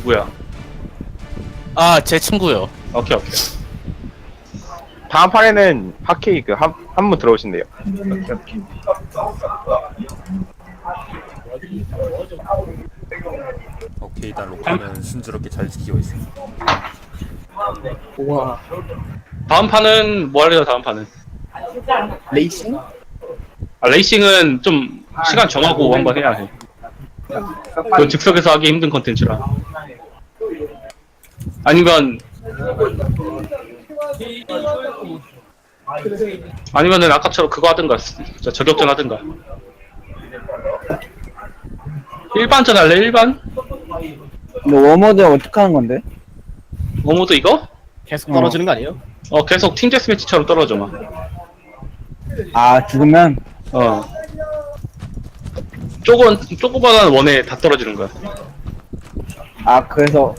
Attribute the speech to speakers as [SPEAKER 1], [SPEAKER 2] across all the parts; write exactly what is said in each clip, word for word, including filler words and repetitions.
[SPEAKER 1] 누구야?
[SPEAKER 2] 아, 제 친구요.
[SPEAKER 1] 오케이 오케이.
[SPEAKER 3] 다음 판에는 핫케이크 한 한 분 들어오신대요.
[SPEAKER 4] 오케이, 일단 로카는 순조롭게 잘 지키고 있어.
[SPEAKER 5] 우와.
[SPEAKER 1] 다음 판은 뭐 할래요? 다음 판은?
[SPEAKER 5] 레이싱?
[SPEAKER 1] 아, 레이싱은 좀 시간 정하고 한번 해야 해. 그 즉석에서 하기 힘든 컨텐츠라. 아니면 아니면은 아까처럼 그거 하든가, 진짜 저격전 하든가. 일반전 할래? 일반?
[SPEAKER 6] 근데 워머드 어떻게 하는 건데?
[SPEAKER 1] 어모드 이거?
[SPEAKER 5] 계속 떨어지는 거 아니에요?
[SPEAKER 1] 어 계속 팀 데스매치처럼 떨어져 막.
[SPEAKER 6] 아 죽으면
[SPEAKER 1] 어. 조금 조그만한 원에 다 떨어지는 거야.
[SPEAKER 6] 아 그래서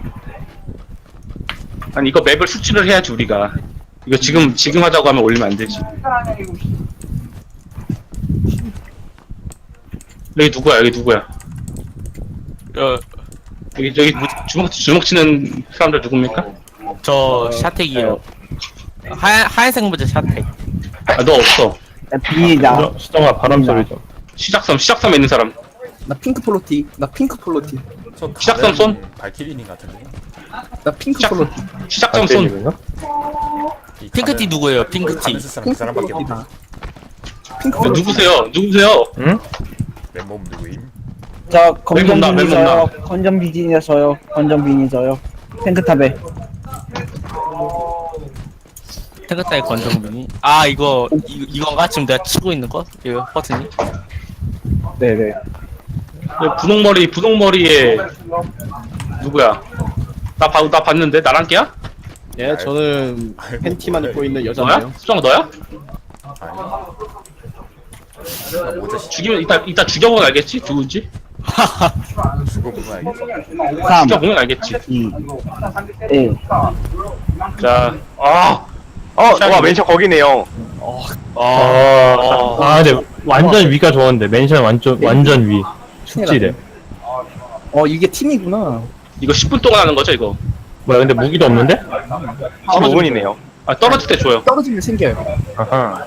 [SPEAKER 1] 아니 이거 맵을 수치를 해야지 우리가. 이거 지금 지금 하자고 하면 올리면 안 되지. 여기 누구야? 여기 누구야?
[SPEAKER 2] 어,
[SPEAKER 1] 여기 저기 주먹 주먹 치는 사람들 누굽니까?
[SPEAKER 2] 저 샤텍이요. 하얀 하얀색 모자 샤텍.
[SPEAKER 1] 아 너 없어.
[SPEAKER 6] 비니다.
[SPEAKER 3] 수정아 바람 소리 좀.
[SPEAKER 1] 시작섬 시작섬에 있는 사람.
[SPEAKER 5] 나 핑크 폴로티. 나 핑크 폴로티.
[SPEAKER 4] 저
[SPEAKER 1] 시작선 손?
[SPEAKER 4] 발키리님 같은데.
[SPEAKER 5] 나 핑크
[SPEAKER 1] 시작
[SPEAKER 5] 폴로티.
[SPEAKER 1] 시작섬 손.
[SPEAKER 4] 이
[SPEAKER 2] 핑크티
[SPEAKER 4] 가면-
[SPEAKER 2] 누구예요? 핑크티.
[SPEAKER 4] 가면 쓸 사람 그 사람밖에 없네.
[SPEAKER 5] 핑크다. 핑크
[SPEAKER 1] 야,
[SPEAKER 5] 폴로티.
[SPEAKER 1] 누구세요? 누구세요?
[SPEAKER 3] 응?
[SPEAKER 4] 맨몸 누구임?
[SPEAKER 6] 저 건전
[SPEAKER 1] 맨몸 나,
[SPEAKER 6] 비니
[SPEAKER 1] 맨몸
[SPEAKER 6] 저요. 건전 비니 저요. 건전 비니 저요. 탱크탑에.
[SPEAKER 2] 탱크타의 권정빈이. 아, 이거 이, 이건가? 지금 내가 치고 있는 거? 이거 버튼이?
[SPEAKER 6] 네네.
[SPEAKER 1] 그 분홍머리 분홍머리에 누구야? 나 봐, 나 봤는데 나랑 깨야?
[SPEAKER 5] 예, 저는
[SPEAKER 4] 아이고,
[SPEAKER 5] 팬티만
[SPEAKER 4] 뭐야,
[SPEAKER 5] 입고 있는
[SPEAKER 1] 너야?
[SPEAKER 5] 여자인데요.
[SPEAKER 1] 수정 너야?
[SPEAKER 4] 아니. 나 모자 씨
[SPEAKER 1] 죽이면 이따 이따 죽여보면 알겠지 누군지?
[SPEAKER 4] 죽어보면 알겠어.
[SPEAKER 6] 삼,
[SPEAKER 1] 죽여보면 알겠지.
[SPEAKER 6] 이, 일.
[SPEAKER 1] 자, 아,
[SPEAKER 3] 어, 와 멘션 거기네요.
[SPEAKER 1] 아, 아,
[SPEAKER 7] 아 근데 완전 위가 좋았는데 맨션 완전 완전 위 숙지래.
[SPEAKER 5] 어, 이게 팀이구나.
[SPEAKER 1] 이거 십 분 동안 하는 거죠 이거?
[SPEAKER 7] 뭐야 근데 무기도 없는데?
[SPEAKER 3] 십오 분이네요.
[SPEAKER 1] 아 떨어질 때 줘요.
[SPEAKER 5] 떨어지면 생겨요.
[SPEAKER 3] 아하.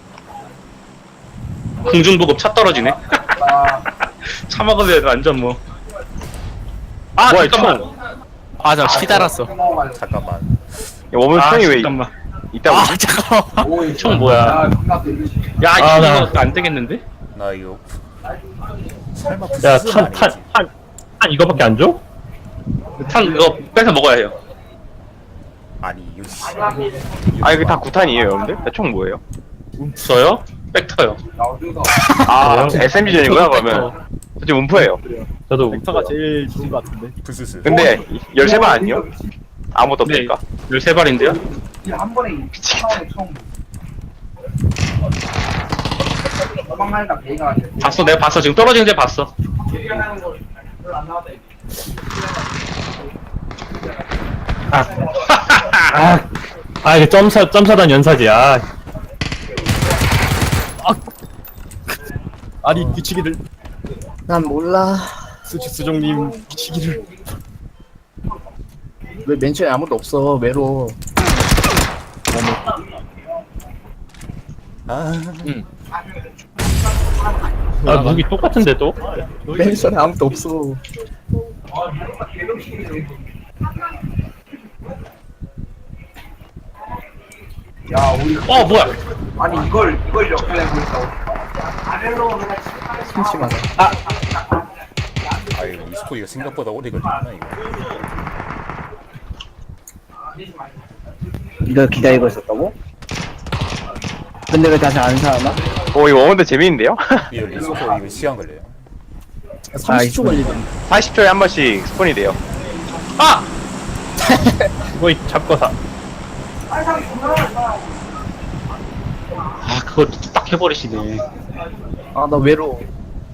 [SPEAKER 1] 공중보급 차 떨어지네. 차 먹으면 완전 뭐. 아
[SPEAKER 3] 뭐야,
[SPEAKER 1] 잠깐만.
[SPEAKER 2] 아, 저 피 달았어.
[SPEAKER 4] 잠깐만.
[SPEAKER 3] 워먼
[SPEAKER 1] 아
[SPEAKER 3] 총이 왜
[SPEAKER 1] 잠깐만.
[SPEAKER 3] 있다고?
[SPEAKER 2] 아, 잠깐만.
[SPEAKER 1] 총 뭐야? 야
[SPEAKER 7] 아, 나-
[SPEAKER 1] 이거 안 되겠는데?
[SPEAKER 4] 나 이거 설마 부스스는
[SPEAKER 7] 야탄
[SPEAKER 4] 아니겠지?
[SPEAKER 7] 탄 탄 탄 이거밖에 안 줘?
[SPEAKER 1] 탄 이거 뺏어 먹어야 해요.
[SPEAKER 4] 아니 이거 씨.
[SPEAKER 3] 아 이거 다 구탄이에요 여러분들? 총 뭐예요?
[SPEAKER 1] 저요? 벡터요.
[SPEAKER 3] 아 에스엠지전이구나 그러면. 저 지금 움프예요.
[SPEAKER 7] 저도
[SPEAKER 5] 벡터가 제일 좋은 것 같은데.
[SPEAKER 4] 부스스.
[SPEAKER 3] 근데 열세 발 아니요? 아무것도
[SPEAKER 1] 네,
[SPEAKER 3] 없으니까.
[SPEAKER 1] 열세 발인데요? 봤어, 내가 봤어. 지금 떨어지는 데 봤어.
[SPEAKER 7] 아 이게 점사 점사단 연사지. 아
[SPEAKER 5] 아니, 미치기를.
[SPEAKER 6] 난 몰라.
[SPEAKER 5] 수지 수정님 미치기를. 왜 맨션에 아무도 없어? 외로워.
[SPEAKER 4] 아,
[SPEAKER 7] 아 무기 똑같은데 또?
[SPEAKER 5] 맨션에 아무도 없어.
[SPEAKER 1] 어, 뭐야?
[SPEAKER 5] 심심하다.
[SPEAKER 4] 아 이거 이스포이가 생각보다 오래 걸리구나 이거.
[SPEAKER 6] 이걸 기다리고 있었다고? 근데 왜 다시 안 살아나?
[SPEAKER 3] 오 이거 워먼드 재밌는데요?
[SPEAKER 4] 이거 이스포 이거 시간 걸려요.
[SPEAKER 5] 삼십 초 걸리던데.
[SPEAKER 3] 사십 초에 한 번씩 스폰이 돼요.
[SPEAKER 1] 아!
[SPEAKER 7] 거의 잡고 사.
[SPEAKER 1] 아, 그거 딱 해버리시네.
[SPEAKER 5] 아, 나 외로워.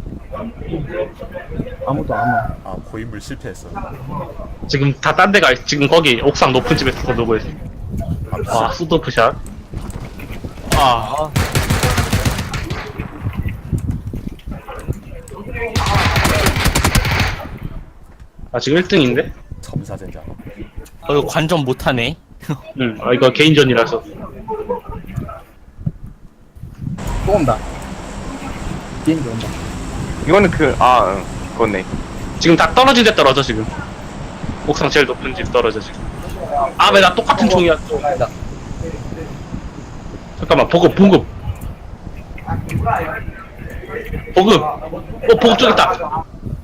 [SPEAKER 5] 아무도 안 와.
[SPEAKER 4] 아 고인물 실패했어.
[SPEAKER 1] 지금 다 딴 데가, 있- 지금 거기 옥상 높은 집에서 놀고 있어.
[SPEAKER 4] 아,
[SPEAKER 1] 와, 수도프샷.
[SPEAKER 2] 아,
[SPEAKER 1] 아 지금 일 등인데?
[SPEAKER 4] 점사전자.
[SPEAKER 2] 어 이거 관전 못하네.
[SPEAKER 1] 응. 아 이거 개인전이라서.
[SPEAKER 5] 또 온다. 비행기 온다.
[SPEAKER 3] 이거는 그, 아, 응, 그거네.
[SPEAKER 1] 지금 다 떨어진 데 떨어져 지금. 옥상 제일 높은 집 떨어져 지금. 아 왜 나 똑같은 총이야 또.
[SPEAKER 5] 아니다.
[SPEAKER 1] 잠깐만 보급 보급. 보급. 어 보급 쪽 있다.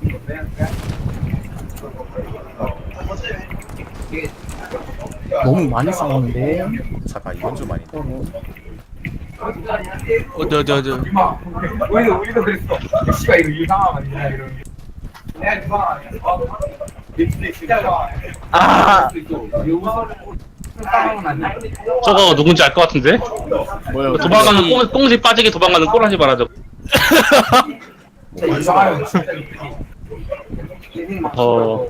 [SPEAKER 5] 너무 많이 싸우는데.
[SPEAKER 4] 잠깐 이건 좀 아닌데.
[SPEAKER 2] 어디 어디 어디.
[SPEAKER 8] 우리도 우리도 그랬어. 씨가 이거 이상하면 안 되나 이런. 내가 이상하 아니야. 아.
[SPEAKER 1] 저거 누군지 알 것 같은데?
[SPEAKER 5] 뭐야?
[SPEAKER 1] 도망가는 꽁, 꽁지 빠지게 도망가는 꼬라지 말아줘.
[SPEAKER 8] 이상하면
[SPEAKER 1] 어,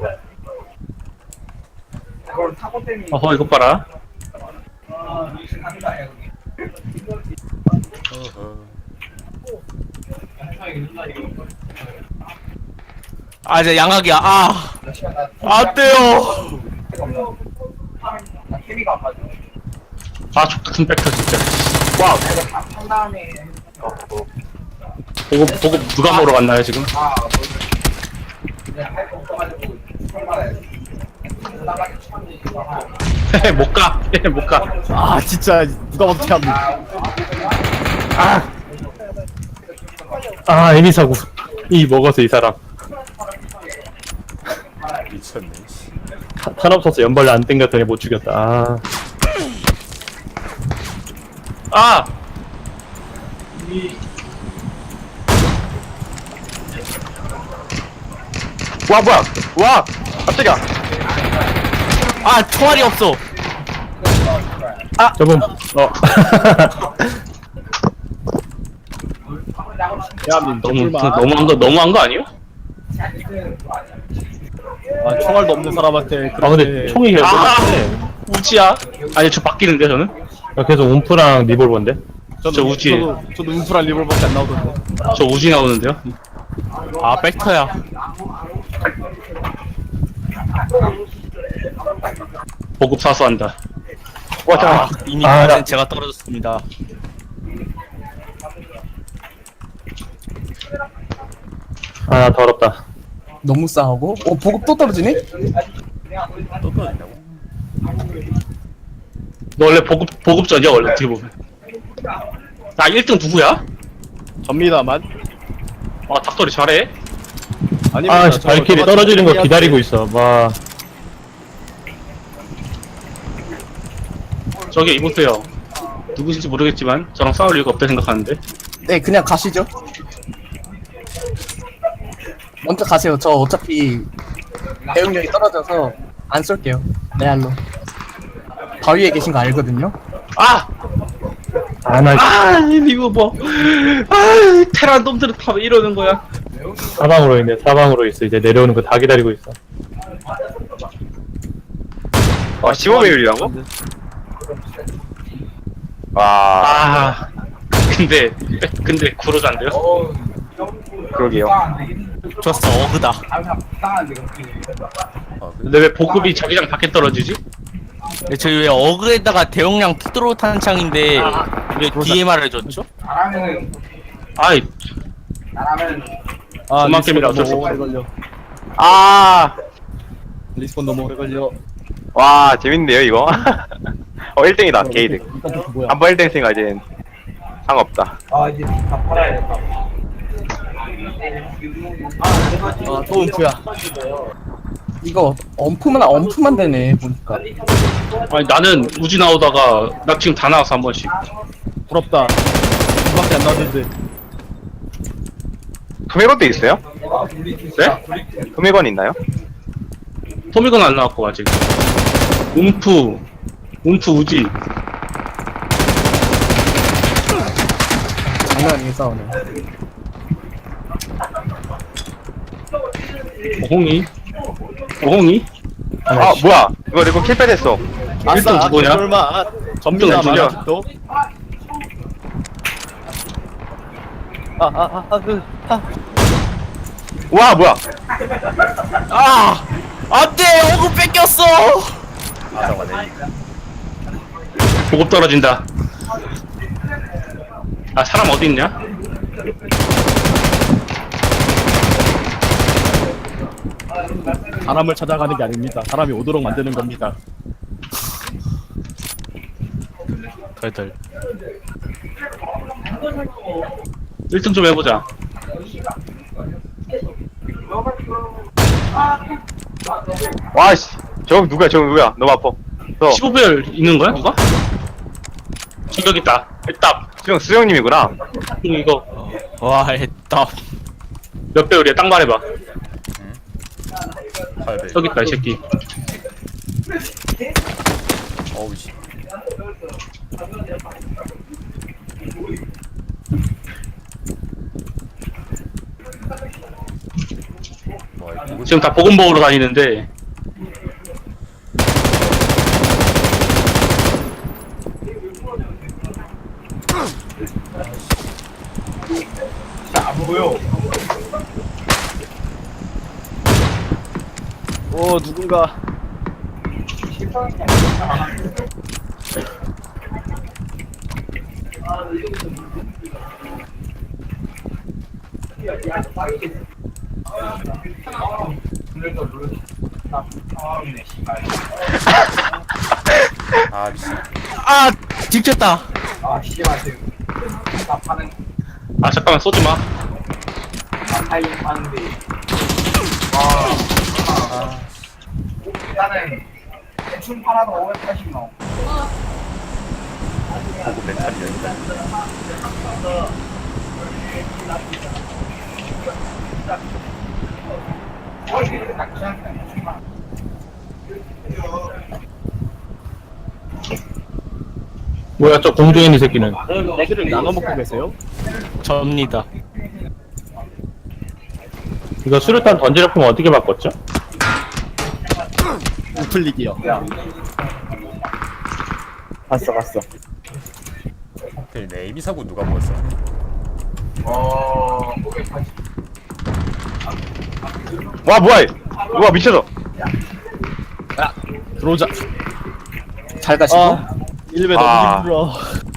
[SPEAKER 8] 그걸 타고 때문에.
[SPEAKER 1] 어허 이것 봐라.
[SPEAKER 4] 어허.
[SPEAKER 2] 아 이제 양악이야. 아 안돼요.
[SPEAKER 8] 케미가 안 맞아.
[SPEAKER 1] 아 족같은 벡터 진짜.
[SPEAKER 8] 와, 내가 한 다음에
[SPEAKER 1] 보급 보급 누가 먹으러 갔나요 지금?
[SPEAKER 8] 아, 그냥 할거 없어가지고 설마해. 나가기 처음에
[SPEAKER 1] 못 가. 못 가.
[SPEAKER 5] 아 진짜 누가 어떻게 합니까?
[SPEAKER 7] 아 애미 사고 이 먹어서 이 사람
[SPEAKER 4] 미쳤네. 씨.
[SPEAKER 7] 타- 탄 없어서 연발을 안 땡겼더니 못 죽였다. 아
[SPEAKER 1] 아.
[SPEAKER 3] 와, 뭐야! 와! 깜짝이야!
[SPEAKER 2] 아 총알이 없어.
[SPEAKER 7] 저분 어
[SPEAKER 5] 대한민국
[SPEAKER 1] 너무 너무한 거 너무한 거 아니요?
[SPEAKER 5] 아, 총알도 없는 사람한테
[SPEAKER 7] 아 근데 총이 계속
[SPEAKER 1] 아
[SPEAKER 7] 똑같네.
[SPEAKER 1] 우지야? 아니 저 바뀌는데 저는?
[SPEAKER 7] 아, 계속 움프랑 리볼버인데.
[SPEAKER 1] 저 우지.
[SPEAKER 5] 저도, 저도 음프란 리볼밖에 안 나오던데.
[SPEAKER 1] 저 우지 나오는데요?
[SPEAKER 2] 아 벡터야.
[SPEAKER 1] 보급 사수한다.
[SPEAKER 3] 와, 잠깐만.
[SPEAKER 2] 아, 이미
[SPEAKER 7] 아,
[SPEAKER 2] 아,
[SPEAKER 7] 나-
[SPEAKER 2] 제가 떨어졌습니다.
[SPEAKER 7] 아 더럽다.
[SPEAKER 5] 너무 싸우고. 어 보급 또 떨어지네?
[SPEAKER 4] 또 떨어진다고?
[SPEAKER 1] 너 원래 보급 보급전이야 원래 어떻게 보면. 나 일 등 누구야?
[SPEAKER 5] 접니다만.
[SPEAKER 1] 아 닭소리 잘해.
[SPEAKER 7] 아 씨, 발길이 떨어지는 거 기다리고 있어. 와
[SPEAKER 1] 저기 이보세요. 누구신지 모르겠지만 저랑 싸울 이유가 없다 생각하는데.
[SPEAKER 5] 네 그냥 가시죠. 먼저 가세요. 저 어차피 대응력이 떨어져서 안 쏠게요. 레알로. 바위에 계신 거 알거든요.
[SPEAKER 1] 아!
[SPEAKER 7] 아나
[SPEAKER 1] 아! 이거 뭐. 아! 테란 놈들은 다 왜 이러는 거야?
[SPEAKER 7] 사방으로 있네. 사방으로 있어. 이제 내려오는 거 다 기다리고 있어.
[SPEAKER 3] 와, 십오 배율이라고? 와,
[SPEAKER 1] 아. 근데 근데 구로자인데요?
[SPEAKER 3] 그러게요.
[SPEAKER 2] 좋았어 어그다.
[SPEAKER 4] 아, 그,
[SPEAKER 1] 근데 왜 보급이 자기장 밖에 떨어지지?
[SPEAKER 2] 네, 저희 왜 어그에다가 대용량 푸드로 탄창인데 왜 디엠알을 줬죠?
[SPEAKER 8] 나라면은
[SPEAKER 1] 아이
[SPEAKER 8] 나라면
[SPEAKER 5] 아,
[SPEAKER 1] 그만 게임이라 어쩔 수
[SPEAKER 5] 너무
[SPEAKER 1] 없어.
[SPEAKER 5] 오래 걸려.
[SPEAKER 3] 아!
[SPEAKER 5] 리스폰 너무 오래 걸려.
[SPEAKER 3] 와, 재밌네요, 이거. 어, 일 등이다, 게이드.
[SPEAKER 5] 이건 또 뭐야?
[SPEAKER 3] 한 번 일 등 했으니까 이제 상관없다.
[SPEAKER 8] 아 이제 다 팔아야겠다.
[SPEAKER 5] 아, 또 음프야. 이거 엄프만 엄프만 되네 보니까.
[SPEAKER 1] 아니 나는 우지 나오다가 나 지금 다 나왔어 한 번씩.
[SPEAKER 5] 부럽다. 이밖에 안 나왔는데.
[SPEAKER 3] 금액원도 있어요?
[SPEAKER 1] 네?
[SPEAKER 3] 금액원 있나요?
[SPEAKER 1] 토미건 안 나왔고 아직. 움프 움프 우지.
[SPEAKER 5] 장난 아니게 싸우네.
[SPEAKER 1] 어홍이 어홍이?
[SPEAKER 3] 아, 뭐야. 이거 이거 킬패 됐어.
[SPEAKER 1] 일 등 누구냐?
[SPEAKER 5] 설마 전미나
[SPEAKER 3] 누구냐?
[SPEAKER 5] 많아 또. 아아아그 아.
[SPEAKER 3] 와, 뭐야.
[SPEAKER 2] 아 안돼 호구 뺏겼어.
[SPEAKER 4] 아사가네.
[SPEAKER 1] 보급 떨어진다. 아 사람 어디 있냐?
[SPEAKER 9] 사람을 찾아가는 게 아닙니다. 사람이 오도록 만드는 겁니다.
[SPEAKER 2] 덜덜.
[SPEAKER 1] 일 등 좀 해보자.
[SPEAKER 3] 와씨 저거 누구야 저거 누구야 너무 아파. 저
[SPEAKER 1] 십오 별 있는 거야 누가? 저기 있다. 일단
[SPEAKER 3] 수영 수영님이구나.
[SPEAKER 1] 이거
[SPEAKER 2] 와 했다.
[SPEAKER 1] 몇 배율이야? 딱 말해봐.
[SPEAKER 4] 팔 배.
[SPEAKER 1] 저기 있다 이 새끼.
[SPEAKER 4] 어우 씨. 뭐야 누구?
[SPEAKER 1] 지금 다 보급 먹으러 다니는데
[SPEAKER 8] 안 보여.
[SPEAKER 9] 오 누군가
[SPEAKER 4] 아 미친.
[SPEAKER 2] 아 찍혔다.
[SPEAKER 8] 아 씨발 지금 나 파는
[SPEAKER 1] 아 잠깐만 쏘지 마.
[SPEAKER 8] 타임 파는데. 와. 일단은 대충 팔아도 오백팔십 나오.
[SPEAKER 4] 보급 멘탈이 여기다.
[SPEAKER 7] 뭐야 저 공중에 있는 새끼는.
[SPEAKER 9] 애기를 나눠 먹고 계세요?
[SPEAKER 2] 접니다.
[SPEAKER 7] 이거 수류탄 던지려면 어떻게 바꿨죠?
[SPEAKER 9] 우클릭이요.
[SPEAKER 6] 봤어 봤어.
[SPEAKER 4] 그 네이비 사고 누가 먹었어?
[SPEAKER 8] 어, 오백팔십.
[SPEAKER 3] 와 뭐야 누가 미쳐서.
[SPEAKER 9] 들어오자.
[SPEAKER 5] 잘 가시고.
[SPEAKER 9] 아 일배 너무
[SPEAKER 3] 아.
[SPEAKER 9] 힘들어.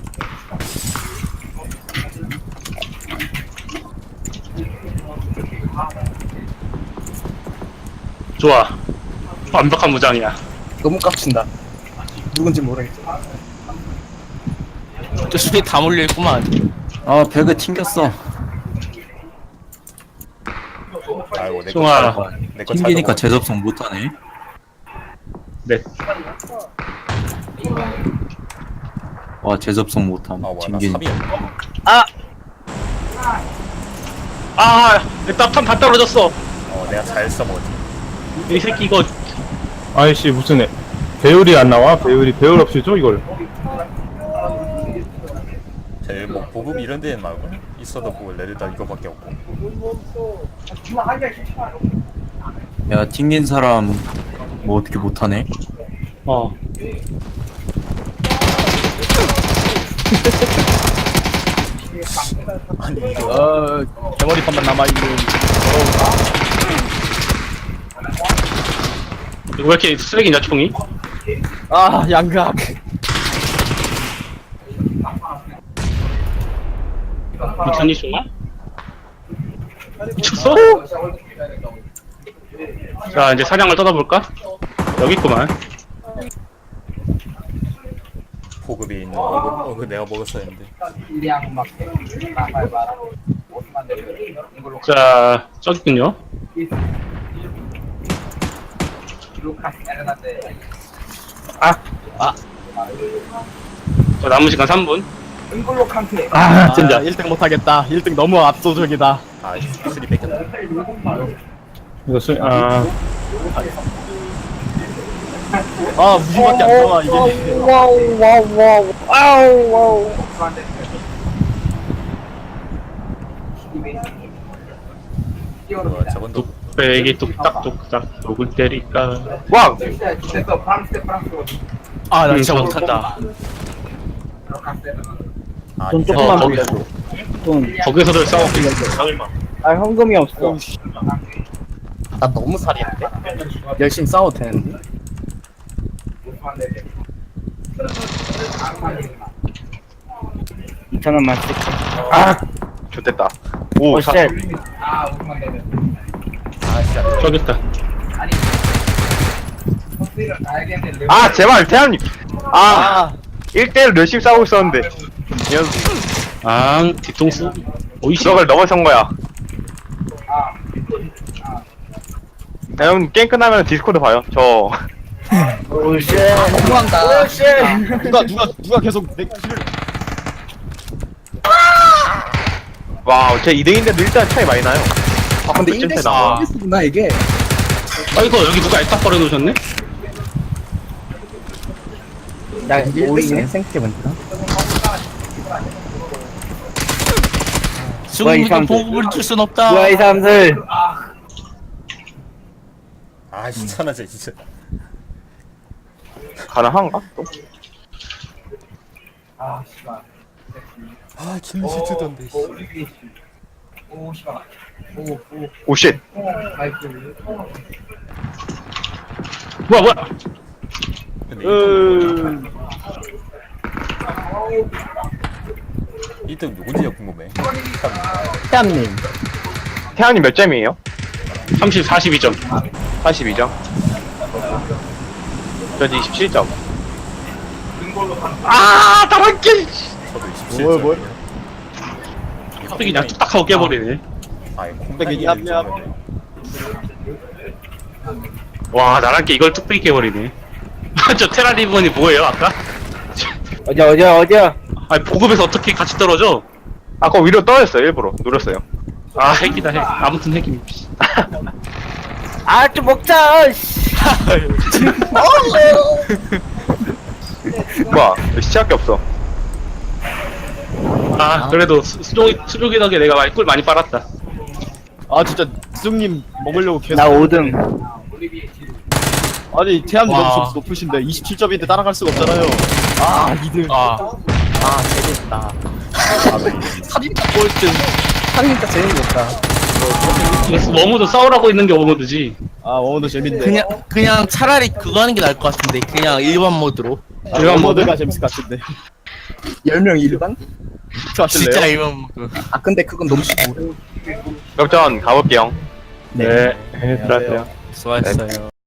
[SPEAKER 1] 좋아. 완벽한 무장이야.
[SPEAKER 5] 너무 깝친다. 누군지 모르겠어.
[SPEAKER 2] 저 수비 다 몰려 있구만.
[SPEAKER 6] 아 배그 튕겼어.
[SPEAKER 4] 아이고 내거
[SPEAKER 1] 송아.
[SPEAKER 4] 내거
[SPEAKER 6] 튕기니까 재접속 못하네.
[SPEAKER 1] 네.
[SPEAKER 6] 와 재접속 못함.
[SPEAKER 4] 아 뭐야 나
[SPEAKER 6] 튕기니.
[SPEAKER 4] 삽이야.
[SPEAKER 1] 아 일단 탄다 떨어졌어.
[SPEAKER 4] 어 내가 잘 써먹었지.
[SPEAKER 1] 이 새끼 이거
[SPEAKER 7] 아이씨 무슨 애 배율이 안 나와? 배율이 배율 없이 줘 이걸.
[SPEAKER 4] 제일 뭐 보급 이런 데는 말고 있어도 뭐 레드다 이거밖에 없고.
[SPEAKER 6] 야 튕긴 사람 뭐 어떻게 못하네?
[SPEAKER 1] 어
[SPEAKER 4] 아니 이거
[SPEAKER 9] 어 개머리판만 남아있는.
[SPEAKER 1] 이거 왜 이렇게 쓰레기냐 총이?
[SPEAKER 9] 아 양각.
[SPEAKER 1] 미쳤니 총아? 미쳤어? 자 이제 사냥을 떠나볼까? 여기 있구만.
[SPEAKER 4] 보급이 있는 보급 어, 그 내가 먹었어야 했는데.
[SPEAKER 8] 일량 막 나발바라. 오십만 대를 이걸로
[SPEAKER 1] 자 저기 있군요.
[SPEAKER 8] 루카스 에르난데.
[SPEAKER 1] 자 남은 시간 삼 분.
[SPEAKER 8] 은글로 칸테.
[SPEAKER 9] 아 진짜 일 등 못하겠다. 일 등 너무 압도적이다.
[SPEAKER 4] 아 쓰리 뺏겼다.
[SPEAKER 7] 이거 수 아.
[SPEAKER 9] 아 무시밖에 안 나와 이게.
[SPEAKER 4] 어, 저건도
[SPEAKER 1] 뚝배기 뚝딱뚝딱 독을 때릴까.
[SPEAKER 3] 와
[SPEAKER 8] 됐어. 프랑스 프랑스.
[SPEAKER 2] 아 나
[SPEAKER 1] 음,
[SPEAKER 2] 진짜
[SPEAKER 1] 저-
[SPEAKER 2] 못한다.
[SPEAKER 8] 루카스 에르난데.
[SPEAKER 4] 아
[SPEAKER 6] 좀
[SPEAKER 4] 이
[SPEAKER 6] 조금만
[SPEAKER 1] 어, 거기-
[SPEAKER 6] 돌려줘. 좀.
[SPEAKER 1] 거기서들 싸우고 있는
[SPEAKER 6] 아 현금이 없어.
[SPEAKER 5] 나 너무 살이는데? 열심히 싸워도 되는데?
[SPEAKER 6] 이천 원만 쓸게.
[SPEAKER 3] 아 좋됐다. 오
[SPEAKER 6] 오,
[SPEAKER 3] 사,
[SPEAKER 6] 쉣.
[SPEAKER 8] 아 오만 되면
[SPEAKER 4] 아 진짜
[SPEAKER 1] 저기 있다.
[SPEAKER 8] 컨트롤 알겠는데
[SPEAKER 3] 아 제발 태양님. 아
[SPEAKER 9] 아
[SPEAKER 3] 일 대일 열심히 싸우고 있었는데
[SPEAKER 1] 아, 뒤통수. 오이씨.
[SPEAKER 3] 구석을 넘어선 거야. 야, 형 게임 끝나면 디스코드 봐요. 저
[SPEAKER 6] 오, 쉣.
[SPEAKER 5] 너무한다.
[SPEAKER 9] 누가 누가 누가 계속 내 키를
[SPEAKER 3] 와우 제 이 등인데도 일단 차이 많이 나요.
[SPEAKER 5] 아, 근데
[SPEAKER 3] 일
[SPEAKER 5] 일 대씩
[SPEAKER 3] 나와.
[SPEAKER 5] 구나 이게.
[SPEAKER 1] 아, 이거 여기 누가 알딱 버려놓으셨네?
[SPEAKER 6] 나
[SPEAKER 5] 일 대씩
[SPEAKER 6] 오이네.
[SPEAKER 5] 생각해보니까.
[SPEAKER 2] 승훈이가
[SPEAKER 6] 이상한
[SPEAKER 2] 보급을 줄 순 없다.
[SPEAKER 6] 뭐야 이 사람들.
[SPEAKER 4] 아 귀찮아져 진짜.
[SPEAKER 3] 가능한가? 또?
[SPEAKER 8] 아 씨발
[SPEAKER 4] 아 김시트던데.
[SPEAKER 8] 오 씨발 오오
[SPEAKER 3] 오쉣.
[SPEAKER 8] 마이크
[SPEAKER 1] 뭐야, 뭐야.
[SPEAKER 4] 근데
[SPEAKER 6] 으.
[SPEAKER 4] 일 등 누군지가 궁금해.
[SPEAKER 5] 태암님.
[SPEAKER 3] 태양님 몇 점이에요?
[SPEAKER 1] 삼십, 사십이 점.
[SPEAKER 3] 사십이 점. 전 이십칠 점. 아 다른 게.
[SPEAKER 4] 저도 이십칠
[SPEAKER 9] 뭘,
[SPEAKER 4] 점.
[SPEAKER 9] 뭘?
[SPEAKER 1] 갑자기 그냥 뚝딱 하고 깨버리네.
[SPEAKER 4] 아이
[SPEAKER 9] 콩백이
[SPEAKER 4] 콩백이
[SPEAKER 9] 냠냠.
[SPEAKER 1] 와, 나랑 게 이걸 뚝배기 깨버리네. 저 테라 리본이 뭐예요, 아까?
[SPEAKER 6] 어디 어디 어디야?
[SPEAKER 1] 아니, 보급에서 어떻게 같이 떨어져?
[SPEAKER 3] 아까 위로 떨어졌어요 일부러 누렸어요.
[SPEAKER 1] 아, 핵이다, 핵. 아무튼 핵임.
[SPEAKER 6] 아 좀 먹자. 씨.
[SPEAKER 3] 뭐야 시작이 없어.
[SPEAKER 1] 아, 그래도 수- 수족, 수족이 덕에 내가 많이 꿀 많이 빨았다.
[SPEAKER 9] 아 진짜 승님 먹으려고 계속
[SPEAKER 6] 나 오 등.
[SPEAKER 9] 아니 태양이
[SPEAKER 2] 와.
[SPEAKER 9] 너무 점수 높으신데 이십칠 점인데 따라갈 수가 없잖아요. 아 이 등.
[SPEAKER 2] 아,
[SPEAKER 5] 아, 재밌다. 살인자 꼴등. 살인자 재밌겠다.
[SPEAKER 1] 이거 워무드 싸우라고 있는 게 워무드지.
[SPEAKER 9] 아 오늘도 재밌네.
[SPEAKER 2] 그냥 그냥 차라리 그거 하는 게 나을 것 같은데 그냥 일반 모드로.
[SPEAKER 9] 아,
[SPEAKER 1] 일반
[SPEAKER 9] 모드가 재밌을 것 같은데.
[SPEAKER 5] 열 명 일반?
[SPEAKER 9] 저 하실래요?
[SPEAKER 2] 진짜 일반 모드.
[SPEAKER 5] 아, 근데 그건 너무 쉽고.
[SPEAKER 3] 그럼 전 가볼게요.
[SPEAKER 1] 네.
[SPEAKER 7] 네, 들어왔어요.
[SPEAKER 2] 수고하셨어요.